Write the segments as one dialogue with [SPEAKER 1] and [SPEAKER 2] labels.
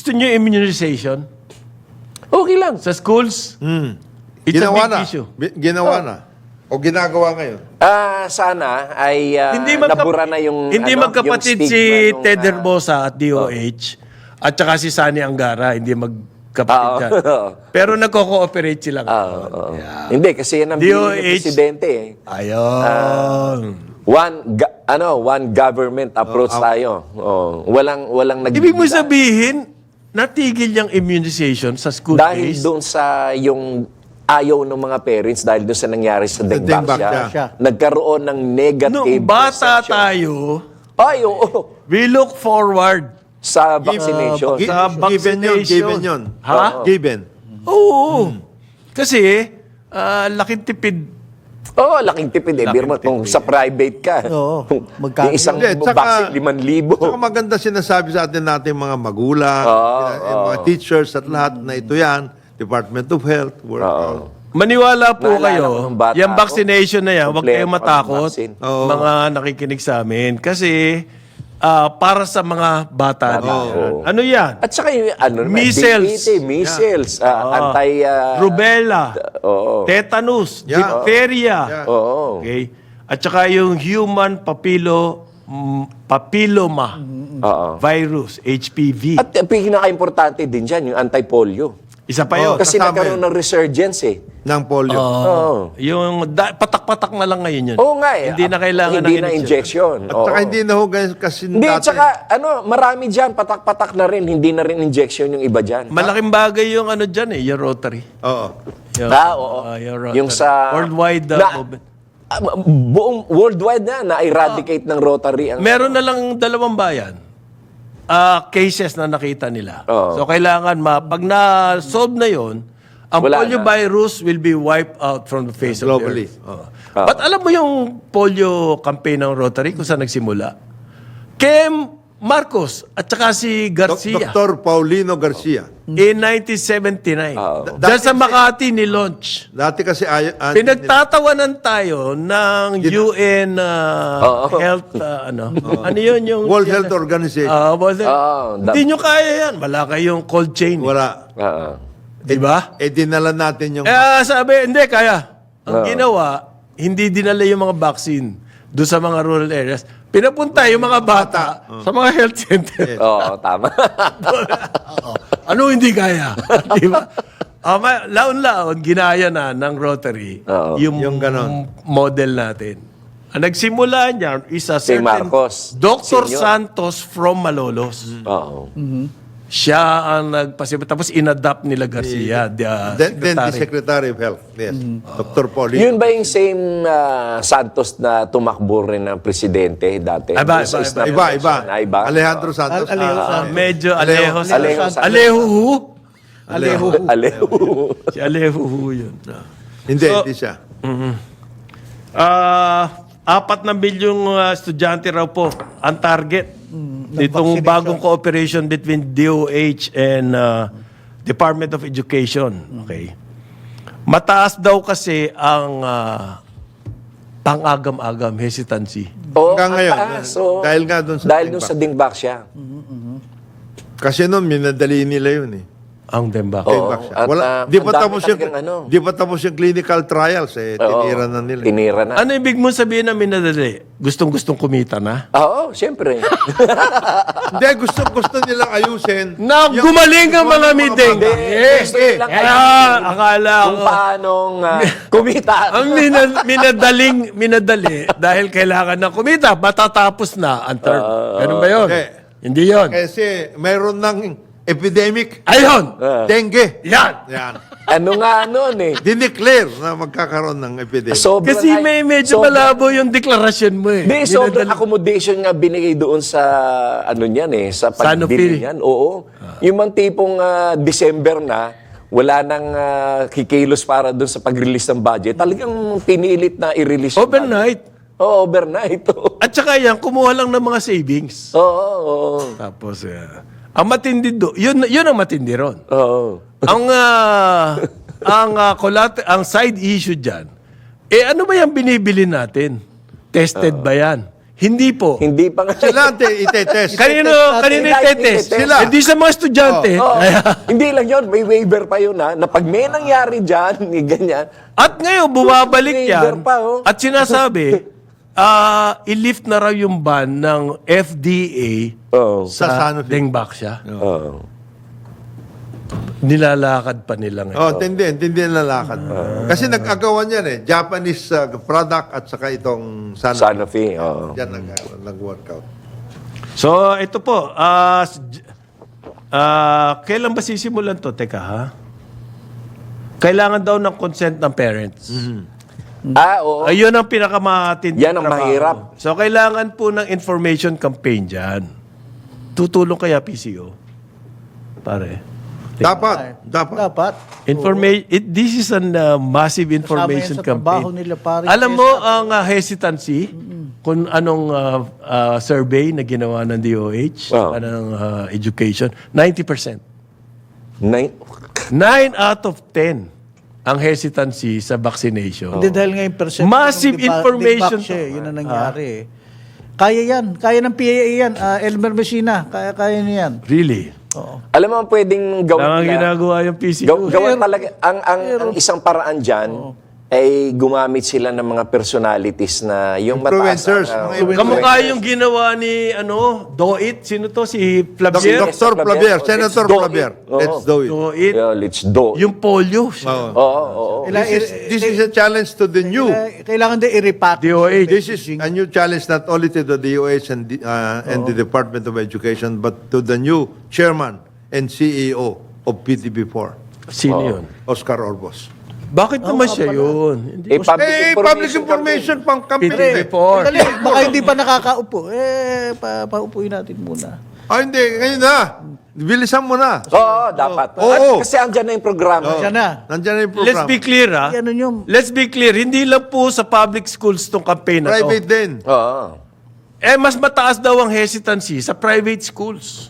[SPEAKER 1] Gusto niyo immunization?
[SPEAKER 2] Okay lang.
[SPEAKER 1] Sa schools? It's
[SPEAKER 3] Ginawa
[SPEAKER 1] a big
[SPEAKER 3] na.
[SPEAKER 1] issue.
[SPEAKER 3] Ginawa na. O ginagawa ngayon.
[SPEAKER 2] Sana ay nabura na yung
[SPEAKER 1] Hindi
[SPEAKER 2] ano,
[SPEAKER 1] magkapatid
[SPEAKER 2] yung
[SPEAKER 1] si
[SPEAKER 2] stigma nung,
[SPEAKER 1] Ted Herbosa at DOH at saka si Sani Angara, hindi magkapatid yan. Pero nagko-cooperate sila.
[SPEAKER 2] Hindi, kasi yan ang bilin ng
[SPEAKER 1] DOH.
[SPEAKER 2] presidente.
[SPEAKER 1] Ayun.
[SPEAKER 2] One government approach tayo. Walang
[SPEAKER 1] Ibig mo sabihin, natigil yung immunization sa school
[SPEAKER 2] dahil
[SPEAKER 1] days?
[SPEAKER 2] doon sa yung ayaw ng mga parents dahil doon sa nangyari sa Dengbaksya, nagkaroon ng negative
[SPEAKER 1] Nung bata
[SPEAKER 2] perception.
[SPEAKER 1] tayo,
[SPEAKER 2] Ay, oo.
[SPEAKER 1] we look forward.
[SPEAKER 2] Sa vaccination.
[SPEAKER 1] Sa vaccination.
[SPEAKER 3] Given yun.
[SPEAKER 1] Ha?
[SPEAKER 3] Given.
[SPEAKER 1] Oo. Kasi, laking tipid.
[SPEAKER 2] Oo, laking tipid eh. Birma, kung sa private ka.
[SPEAKER 4] Oo.
[SPEAKER 2] Yung isang
[SPEAKER 3] Hindi,
[SPEAKER 2] vaccine, 5,000.
[SPEAKER 3] Saka maganda sinasabi sa atin natin mga magulang, mga teachers at lahat na ito yan, Department of Health, work.
[SPEAKER 1] Maniwala po
[SPEAKER 2] Naalala ko
[SPEAKER 1] kayo,
[SPEAKER 2] nung bata
[SPEAKER 1] yung
[SPEAKER 2] ako,
[SPEAKER 1] vaccination na yan, huwag
[SPEAKER 2] kompleto
[SPEAKER 1] kayong
[SPEAKER 2] ang
[SPEAKER 1] matakot,
[SPEAKER 2] vaccine.
[SPEAKER 1] mga nakikinig sa amin. Kasi, para sa mga bata na yan.
[SPEAKER 2] oo.
[SPEAKER 1] Ano yan?
[SPEAKER 2] At saka yung
[SPEAKER 1] Measles.
[SPEAKER 2] measles, anti...
[SPEAKER 1] Rubella,
[SPEAKER 2] Oo.
[SPEAKER 1] tetanus,
[SPEAKER 3] Yeah.
[SPEAKER 1] diphtheria.
[SPEAKER 2] Oo.
[SPEAKER 1] Okay? At saka yung human papilloma
[SPEAKER 2] Oo.
[SPEAKER 1] virus, HPV.
[SPEAKER 2] At pinaka-importante din dyan, yung anti-polio.
[SPEAKER 1] Isa pa yun.
[SPEAKER 2] Kasi
[SPEAKER 3] kasama
[SPEAKER 2] nagkaroon ng resurgence eh.
[SPEAKER 3] Ng polio.
[SPEAKER 2] Oo.
[SPEAKER 1] Yung patak-patak na lang ngayon yun.
[SPEAKER 2] Oo nga eh.
[SPEAKER 1] Hindi na kailangan
[SPEAKER 2] Hindi
[SPEAKER 1] ng
[SPEAKER 2] na
[SPEAKER 1] injection.
[SPEAKER 2] injection.
[SPEAKER 3] At saka hindi na ho kasi
[SPEAKER 2] Hindi,
[SPEAKER 3] dati.
[SPEAKER 2] tsaka marami dyan, patak-patak na rin, hindi na rin injection yung iba dyan.
[SPEAKER 1] Malaking bagay yung ano dyan yung Rotary.
[SPEAKER 3] Oo.
[SPEAKER 1] Yung,
[SPEAKER 2] Oo.
[SPEAKER 1] yung Rotary.
[SPEAKER 2] Yung sa...
[SPEAKER 1] Worldwide movement.
[SPEAKER 2] buong worldwide na-eradicate ng Rotary.
[SPEAKER 1] Meron na lang 2 bayan. Cases na nakita nila.
[SPEAKER 2] Oo.
[SPEAKER 1] So kailangan pag na-solve na yon, ang
[SPEAKER 2] Wala
[SPEAKER 1] polio
[SPEAKER 2] na.
[SPEAKER 1] virus will be wiped out from the face
[SPEAKER 3] Globally.
[SPEAKER 1] of the earth. But alam mo yung polio campaign ng Rotary kung saan nagsimula? Kay Marcos at saka si Garcia.
[SPEAKER 3] Dr. Paulino Garcia.
[SPEAKER 1] In 1979. Diyan sa Makati ni-launch.
[SPEAKER 3] Dati kasi
[SPEAKER 1] Pinagtatawanan tayo ng UN Health, ano yun yung...
[SPEAKER 3] World Health Organization.
[SPEAKER 1] Hindi nyo kaya yan. Wala kayong cold chain.
[SPEAKER 3] Wala.
[SPEAKER 1] Di ba?
[SPEAKER 3] Dinala natin yung...
[SPEAKER 1] Sabi, hindi, kaya. Ang ginawa, hindi dinala yung mga vaccine doon sa mga rural areas. Pinapunta yung mga bata sa mga health center.
[SPEAKER 2] Oo, tama.
[SPEAKER 1] Ano hindi kaya? Di ba? Laon-laon, ginaya na ng Rotary yung
[SPEAKER 3] ganon.
[SPEAKER 1] model natin. Ang nagsimula niyan is a
[SPEAKER 2] Si
[SPEAKER 1] certain
[SPEAKER 2] Marcos
[SPEAKER 1] Dr.
[SPEAKER 2] Senior.
[SPEAKER 1] Santos from Malolos.
[SPEAKER 2] Oo.
[SPEAKER 1] Siya ang nagpasimulan. Tapos in-adapt nila Garcia,
[SPEAKER 3] Then the
[SPEAKER 1] secretary.
[SPEAKER 3] Secretary of Health. Yes. Dr. Paulino.
[SPEAKER 2] Yun ba yung same Santos na tumakbo rin ng presidente dati?
[SPEAKER 1] Iba,
[SPEAKER 2] Sa Isla
[SPEAKER 3] Iba.
[SPEAKER 2] Convention? Iba?
[SPEAKER 3] Alejandro Santos.
[SPEAKER 1] Medyo Alejo.
[SPEAKER 2] Alejo Santos.
[SPEAKER 1] Alejo.
[SPEAKER 2] Alejo.
[SPEAKER 1] Si Alejo yun.
[SPEAKER 3] Hindi,
[SPEAKER 1] So-
[SPEAKER 3] hindi siya.
[SPEAKER 1] 4 na bilyong estudyante raw po ang target nitong bagong cooperation between DOH and Department of Education. Okay. Mataas daw kasi ang pang-agam-agam hesitancy.
[SPEAKER 2] ang
[SPEAKER 3] Hanggang ngayon,
[SPEAKER 2] taas.
[SPEAKER 3] dahil nga dun sa
[SPEAKER 2] Dahil dun sa Dingbaksya.
[SPEAKER 3] Kasi noon, minadali nila yun eh.
[SPEAKER 1] Ang Dembak.
[SPEAKER 2] At,
[SPEAKER 3] di pa
[SPEAKER 2] ang dami
[SPEAKER 3] tapos yung
[SPEAKER 2] talagang
[SPEAKER 3] di pa tapos yung clinical trials tinira na nila.
[SPEAKER 2] Tinira na.
[SPEAKER 1] Ano ibig mo sabihin na minadali? Gustong-gustong kumita na?
[SPEAKER 2] Oo, siyempre.
[SPEAKER 3] Hindi gusto nilang ayusin.
[SPEAKER 1] Na gumaling ang mga meeting.
[SPEAKER 2] Gusto nilang
[SPEAKER 1] Akala
[SPEAKER 2] kung
[SPEAKER 1] ko.
[SPEAKER 2] paanong kumita.
[SPEAKER 1] Ang minadali dahil kailangan ng kumita, matatapos na ang term. Ganun ba yun? Hindi yun.
[SPEAKER 3] Kasi mayroon ng epidemic,
[SPEAKER 1] Ayun!
[SPEAKER 3] dengue.
[SPEAKER 1] Yan!
[SPEAKER 3] Yan.
[SPEAKER 2] Ano nga nun eh.
[SPEAKER 3] Dineclare na magkakaroon ng epidemic.
[SPEAKER 2] Sobrang
[SPEAKER 1] Kasi may medyo malabo yung deklarasyon mo eh.
[SPEAKER 2] Hindi, sobrang accommodation nga binigay doon sa ano niyan eh, sa pagbili
[SPEAKER 1] Sanofi.
[SPEAKER 2] niyan. Oo. Yung mga tipong December na, wala nang kikilos para doon sa pag-release ng budget. Talagang pinilit na i-release yung
[SPEAKER 1] Overnight.
[SPEAKER 2] budget. Oo, overnight. Oo,
[SPEAKER 1] At saka yan, kumuha lang ng mga savings.
[SPEAKER 2] oo.
[SPEAKER 1] Tapos, ang matindi yun ang matindi ron.
[SPEAKER 2] Oo.
[SPEAKER 1] Ang side issue diyan. Ano ba yung binibili natin? Tested ba yan? Hindi po.
[SPEAKER 2] Hindi pa nga.
[SPEAKER 3] Sila itetest.
[SPEAKER 1] Kanino itetest?
[SPEAKER 2] Sila.
[SPEAKER 1] Hindi sa mga estudyante.
[SPEAKER 2] Oo. Hindi lang yun, may waiver pa yun na pag may nangyari dyan, ganyan.
[SPEAKER 1] At ngayon, bumabalik
[SPEAKER 2] Waiver
[SPEAKER 1] yan.
[SPEAKER 2] pa, oh.
[SPEAKER 1] At sinasabi, i-lift na raw yung ban ng FDA
[SPEAKER 2] Oo.
[SPEAKER 3] Sa
[SPEAKER 1] sa
[SPEAKER 3] Sanofi.
[SPEAKER 1] Dengbaksya.
[SPEAKER 2] Oo.
[SPEAKER 1] Nilalakad pa nila ngayon.
[SPEAKER 3] Tindi ang lalakad. Kasi nag-agawan yan Japanese product at saka itong Sanofi.
[SPEAKER 2] Sanofi, oo.
[SPEAKER 3] Yan nag-workout.
[SPEAKER 1] So, ito po. Kailan ba sisimulan to? Teka, ha? Kailangan daw ng consent ng parents.
[SPEAKER 2] Oo.
[SPEAKER 1] Ayun ang pinakamatindi.
[SPEAKER 2] Yan ang
[SPEAKER 1] trabaho.
[SPEAKER 2] mahirap.
[SPEAKER 1] So, kailangan po ng information campaign dyan. Tutulong kaya PCO? Pare.
[SPEAKER 3] Dapat.
[SPEAKER 1] This is a massive information
[SPEAKER 4] Kasama yan sa trabaho
[SPEAKER 1] campaign.
[SPEAKER 4] nila, pare.
[SPEAKER 1] Alam mo ang hesitancy kung anong survey na ginawa ng DOH,
[SPEAKER 2] Wow.
[SPEAKER 1] anong education, 90%.
[SPEAKER 2] 9
[SPEAKER 1] out of 10 ang hesitancy sa vaccination.
[SPEAKER 4] Hindi dahil ngayon percent.
[SPEAKER 1] Massive information
[SPEAKER 4] Siya, yun ang nangyari Kaya yan. Kaya ng PAA yan. Elmer Messina. Kaya niya yan.
[SPEAKER 1] Really?
[SPEAKER 4] Oo.
[SPEAKER 2] Alam mo ang pwedeng gawin
[SPEAKER 1] Lang ang
[SPEAKER 2] nila?
[SPEAKER 1] ginagawa yung PCO.
[SPEAKER 2] Gawa talaga, ang isang paraan dyan, ay gumamit sila ng mga personalities na yung
[SPEAKER 3] Influencers,
[SPEAKER 2] mataas.
[SPEAKER 3] mga influencers.
[SPEAKER 1] Kamukha yung ginawa ni Doit. Sino to? Si Flavier?
[SPEAKER 3] Dr. Flavier, Senator
[SPEAKER 2] Let's do
[SPEAKER 3] Flavier.
[SPEAKER 2] it. Oo.
[SPEAKER 3] Let's do it.
[SPEAKER 1] Doit.
[SPEAKER 2] Yeah, let's do.
[SPEAKER 1] Yung polio.
[SPEAKER 2] Oo.
[SPEAKER 3] This is a challenge to the new.
[SPEAKER 4] Kailangan din i-repack.
[SPEAKER 1] DOH.
[SPEAKER 3] This is a new challenge not only to the DOH and the Department of Education, but to the new chairman and CEO of PTB4,
[SPEAKER 1] Sino yun?
[SPEAKER 3] Oscar Orbos.
[SPEAKER 1] Bakit naman siya yun? Hindi.
[SPEAKER 3] Public information pang campaign.
[SPEAKER 1] Before.
[SPEAKER 4] Dali, baka hindi pa nakakaupo. Paupuin natin muna.
[SPEAKER 3] Hindi. Ngayon na. Bilisan mo na.
[SPEAKER 2] Oo, dapat.
[SPEAKER 3] Oo.
[SPEAKER 2] At kasi andyan na yung programa.
[SPEAKER 4] Diyan na.
[SPEAKER 3] Nandiyan na yung
[SPEAKER 1] Let's
[SPEAKER 3] program.
[SPEAKER 1] be clear, ha?
[SPEAKER 4] Ano yun?
[SPEAKER 1] Let's be clear. Hindi lang po sa public schools tong campaign na to.
[SPEAKER 3] Private din.
[SPEAKER 2] Oo.
[SPEAKER 1] Mas mataas daw ang hesitancy sa private schools.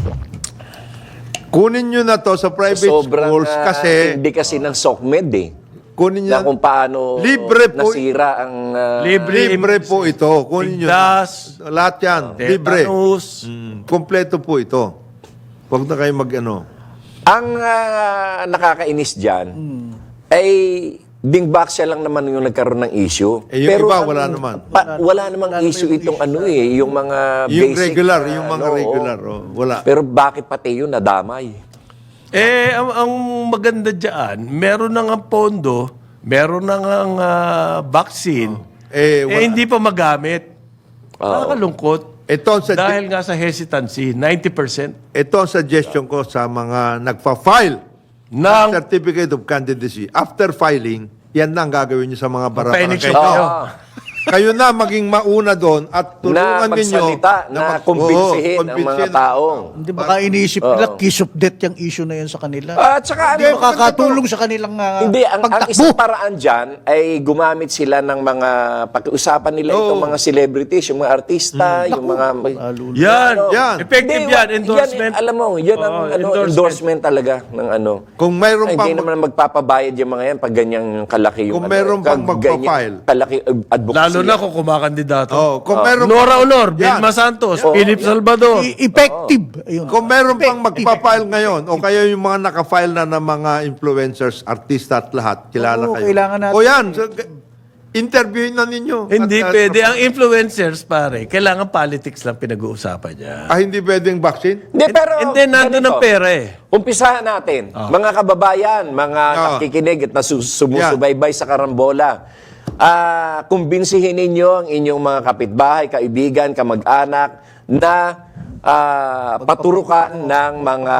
[SPEAKER 3] Kunin nyo na to sa private
[SPEAKER 2] Sobrang
[SPEAKER 3] schools kasi
[SPEAKER 2] hindi kasi ng SOCMED
[SPEAKER 3] kunin
[SPEAKER 2] na
[SPEAKER 3] nyo.
[SPEAKER 2] kung paano
[SPEAKER 3] Libre po.
[SPEAKER 2] nasira ang
[SPEAKER 3] Libre po ito. Kunin nyo.
[SPEAKER 1] Tigdas,
[SPEAKER 3] Lahat yan. Libre.
[SPEAKER 1] tetanus.
[SPEAKER 3] Kompleto po ito. Huwag na kayo mag-ano.
[SPEAKER 2] Ang nakakainis dyan ay Dingbaksya lang naman yung nagkaroon ng issue.
[SPEAKER 3] Yung iba, wala naman.
[SPEAKER 2] Wala namang issue itong yung mga
[SPEAKER 3] Yung
[SPEAKER 2] basic
[SPEAKER 3] regular,
[SPEAKER 2] na,
[SPEAKER 3] yung mga regular. Wala.
[SPEAKER 2] Pero bakit pati yun nadamay?
[SPEAKER 1] Ang maganda dyan, meron na nga pondo, meron na nga vaccine,
[SPEAKER 3] Wala.
[SPEAKER 1] hindi pa magamit. Nakakalungkot.
[SPEAKER 3] Ito ang
[SPEAKER 1] Dahil nga sa hesitancy, 90%
[SPEAKER 3] ito ang suggestion ko sa mga nagpa-file
[SPEAKER 1] ng
[SPEAKER 3] Certificate of Candidacy. After filing, yan na ang gagawin nyo sa mga
[SPEAKER 1] Papainix
[SPEAKER 3] barangay
[SPEAKER 1] kayo.
[SPEAKER 3] nyo. Kayo na maging mauna doon at tulungan
[SPEAKER 2] Na
[SPEAKER 3] ninyo
[SPEAKER 2] magsalita, na kumbinsihin ang mga tao.
[SPEAKER 4] Hindi baka iniisip nila, kiss of death yung issue na yun sa kanila.
[SPEAKER 2] At saka
[SPEAKER 4] Hindi makakatulong sa kanilang
[SPEAKER 2] Hindi, ang
[SPEAKER 4] pagtakbo.
[SPEAKER 2] isang paraan dyan ay gumamit sila ng mga, pag-usapan nila itong mga celebrities, yung mga artista, yung mga...
[SPEAKER 1] yan.
[SPEAKER 3] Yan.
[SPEAKER 1] Effective
[SPEAKER 2] Hindi,
[SPEAKER 1] yan. Endorsement.
[SPEAKER 2] Alam mo, yan ang endorsement talaga ng
[SPEAKER 3] Kung mayroon
[SPEAKER 2] Hindi
[SPEAKER 3] pang
[SPEAKER 2] naman magpapabayad yung mga yan pag ganyang kalaki yung
[SPEAKER 3] Kung mayroon pang
[SPEAKER 2] ganyan
[SPEAKER 3] magpa-file.
[SPEAKER 2] kalaki advocacy.
[SPEAKER 1] Lalo na kung kumakandidato.
[SPEAKER 3] kung mayroon
[SPEAKER 1] Nora Honor,
[SPEAKER 3] Yan.
[SPEAKER 1] Vilma Santos, Philip Salvador.
[SPEAKER 4] Effective. Ayun.
[SPEAKER 3] Kung meron pang magpa-file ngayon o kaya yung mga naka-file na ng mga influencers, artista at lahat, kilala
[SPEAKER 4] Oo,
[SPEAKER 3] kayo.
[SPEAKER 4] kailangan natin.
[SPEAKER 3] O yan, so, interviewin na ninyo.
[SPEAKER 1] Hindi
[SPEAKER 3] At,
[SPEAKER 1] pwede. Ang influencers, pare, kailangan politics lang pinag-uusapan niya.
[SPEAKER 3] hindi pwedeng vaccine?
[SPEAKER 2] Hindi, pero
[SPEAKER 1] And then, nandun ang
[SPEAKER 2] ganito.
[SPEAKER 1] pera eh.
[SPEAKER 2] Umpisahan natin. Mga kababayan, mga nakikinig at sumusubaybay sa karambola. Kumbinsihin ninyo ang inyong mga kapitbahay, kaibigan, kamag-anak na paturukan ng mga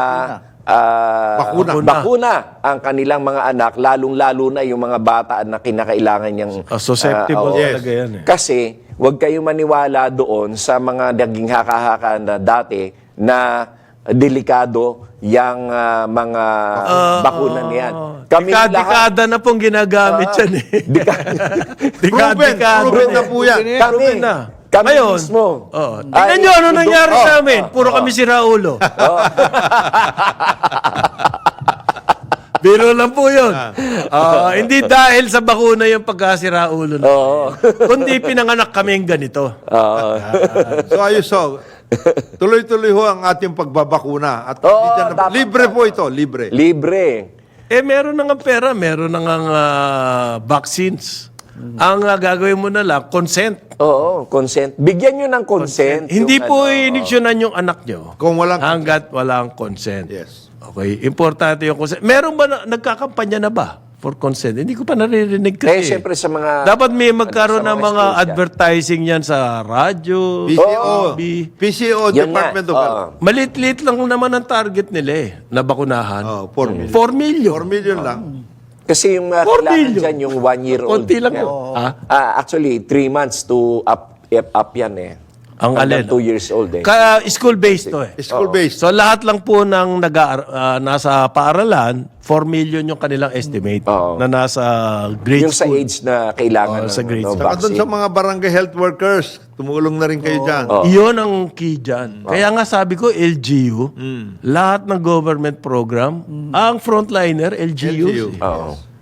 [SPEAKER 2] bakuna ang kanilang mga anak, lalong-lalo na yung mga bata na kinakailangan niyang
[SPEAKER 1] Susceptible talaga yan eh.
[SPEAKER 2] Kasi huwag kayong maniwala doon sa mga naging haka-haka na dati na delikado yung mga bakuna niyan. Kami
[SPEAKER 1] Dekada na pong ginagamit yan eh. Dekada.
[SPEAKER 3] Proven na po yan.
[SPEAKER 1] Proven na.
[SPEAKER 2] Kami
[SPEAKER 1] Ngayon,
[SPEAKER 2] mismo.
[SPEAKER 1] tingnan nyo ano nangyari sa amin. Puro kami si Raulo. Biro lang po yun. Hindi dahil sa bakuna yung pagkasira ulo na.
[SPEAKER 2] Oo.
[SPEAKER 1] Kundi pinanganak kaming ganito.
[SPEAKER 2] Oo.
[SPEAKER 3] So ayos so, tuloy-tuloy ho ang ating pagbabakuna. At
[SPEAKER 2] Oo,
[SPEAKER 3] hindi dyan na-
[SPEAKER 2] dapat.
[SPEAKER 3] libre po ito, libre.
[SPEAKER 2] Libre.
[SPEAKER 1] Meron na nga pera, meron na nga vaccines. Ang gagawin mo na lang, consent.
[SPEAKER 2] Oo, consent. Bigyan nyo ng consent.
[SPEAKER 1] Hindi
[SPEAKER 2] yung
[SPEAKER 1] po
[SPEAKER 2] ano.
[SPEAKER 1] iniksyonan yung anak nyo
[SPEAKER 3] Kung walang
[SPEAKER 1] hanggat walang consent.
[SPEAKER 3] Yes.
[SPEAKER 1] Okay, importante yung consent. Meron ba nagkakampanya na ba for consent? Hindi ko pa naririnig
[SPEAKER 2] Eh,
[SPEAKER 1] kasi.
[SPEAKER 2] siyempre sa mga...
[SPEAKER 1] Dapat may magkaroon
[SPEAKER 2] sa
[SPEAKER 1] ng
[SPEAKER 2] mga
[SPEAKER 1] mga
[SPEAKER 2] schools yan.
[SPEAKER 1] advertising yan sa radyo,
[SPEAKER 3] PCO,
[SPEAKER 1] TV.
[SPEAKER 3] PCO,
[SPEAKER 2] Yun
[SPEAKER 3] Department
[SPEAKER 2] nga.
[SPEAKER 3] of Health.
[SPEAKER 2] Oo.
[SPEAKER 1] Malit-lit lang naman ang target nila na bakunahan.
[SPEAKER 3] Oh, 4 million.
[SPEAKER 1] 4 million.
[SPEAKER 3] 4 million lang.
[SPEAKER 2] Kasi yung
[SPEAKER 1] 4
[SPEAKER 2] kailangan
[SPEAKER 1] million.
[SPEAKER 2] dyan, yung 1-year-old.
[SPEAKER 1] Konti lang yun.
[SPEAKER 2] Actually, 3 months to up yan eh.
[SPEAKER 1] Ang
[SPEAKER 2] Hanggang
[SPEAKER 1] alin?
[SPEAKER 2] 2 years old eh.
[SPEAKER 1] Kaya school-based to eh.
[SPEAKER 3] School-based.
[SPEAKER 1] So lahat lang po ng nasa paaralan, 4 million yung kanilang estimate
[SPEAKER 2] Oo.
[SPEAKER 1] na nasa grade
[SPEAKER 2] Yung sa
[SPEAKER 1] school.
[SPEAKER 2] age na kailangan
[SPEAKER 1] Oo, sa grade school.
[SPEAKER 3] Saka doon
[SPEAKER 2] vaccine.
[SPEAKER 3] sa mga barangay health workers, tumulong na rin kayo dyan.
[SPEAKER 1] Iyon ang key dyan. Kaya nga sabi ko, LGU, lahat ng government program, ang frontliner, LGU.
[SPEAKER 3] LGU.
[SPEAKER 2] Oo.